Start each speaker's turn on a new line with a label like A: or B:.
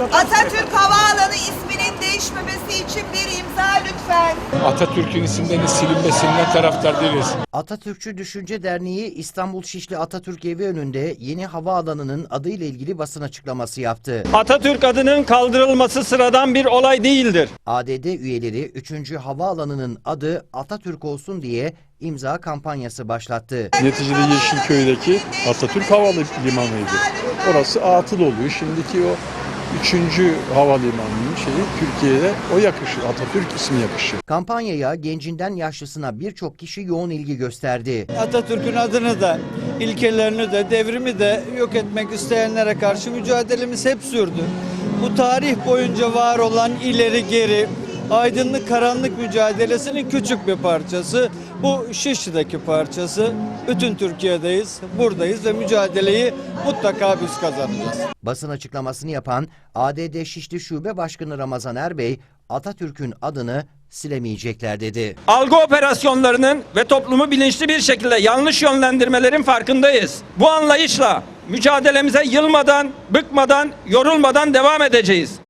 A: Atatürk Havaalanı isminin değişmemesi için bir imza lütfen.
B: Atatürk'ün isimlerinin silinmesinden taraftar değiliz.
C: Atatürkçü Düşünce Derneği İstanbul Şişli Atatürk Evi önünde yeni havaalanının adıyla ilgili basın açıklaması yaptı.
D: Atatürk adının kaldırılması sıradan bir olay değildir.
C: ADD üyeleri 3. havaalanının adı Atatürk olsun diye imza kampanyası başlattı.
E: Neticede Yeşilköy'deki Atatürk Havalimanı'ydı. Orası atıl oluyor. Şimdiki o 3. havalimanının Türkiye'de o yakışır. Atatürk ismi yakışır.
C: Kampanyaya gencinden yaşlısına birçok kişi yoğun ilgi gösterdi.
F: Atatürk'ün adını da, ilkelerini de, devrimi de yok etmek isteyenlere karşı mücadelemiz hep sürdü. Bu tarih boyunca var olan ileri geri, aydınlık karanlık mücadelesinin küçük bir parçası. Bu Şişli'deki parçası. Bütün Türkiye'deyiz, buradayız ve mücadeleyi mutlaka biz kazanacağız.
C: Basın açıklamasını yapan ADD Şişli Şube Başkanı Ramazan Erbey, Atatürk'ün adını silemeyecekler dedi.
D: Algı operasyonlarının ve toplumu bilinçli bir şekilde yanlış yönlendirmelerin farkındayız. Bu anlayışla mücadelemize yılmadan, bıkmadan, yorulmadan devam edeceğiz.